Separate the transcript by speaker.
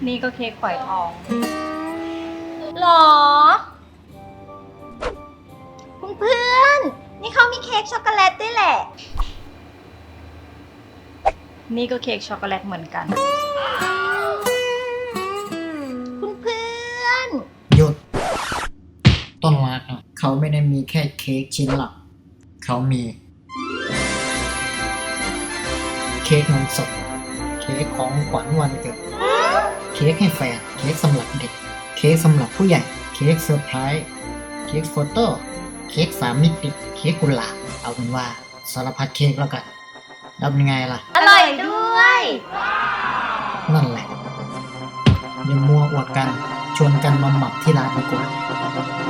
Speaker 1: นี่ก็เค้กฝอยทอง
Speaker 2: หรอเพื่อนๆนี่เขามีเค้กช็อกโกแลตด้วยแหละ
Speaker 1: นี่ก็เค้กช็อกโกแลตเหมือนกัน
Speaker 2: เพื่อน
Speaker 3: หยุดต้นรักอะเขาไม่ได้มีแค่เค้กชิ้นหลักเขามีเค้กนมสดเค้กของขวัญวันเกิดเค้กให้แฟนเค้กสำหรับเด็กเค้กสำหรับผู้ใหญ่เค้กเซอร์ไพรส์เค้กโฟโต้เค้ก3 มิติเค้กกุหลาบเอาเป็นว่าสารพัดเค้กแล้วกันแล้วเป็นไงล่ะ
Speaker 2: ๆอร่อยด้วย
Speaker 3: นั่นแหละอย่ามัวอวดกันชวนกันมาหมักที่ร้านดีกว่า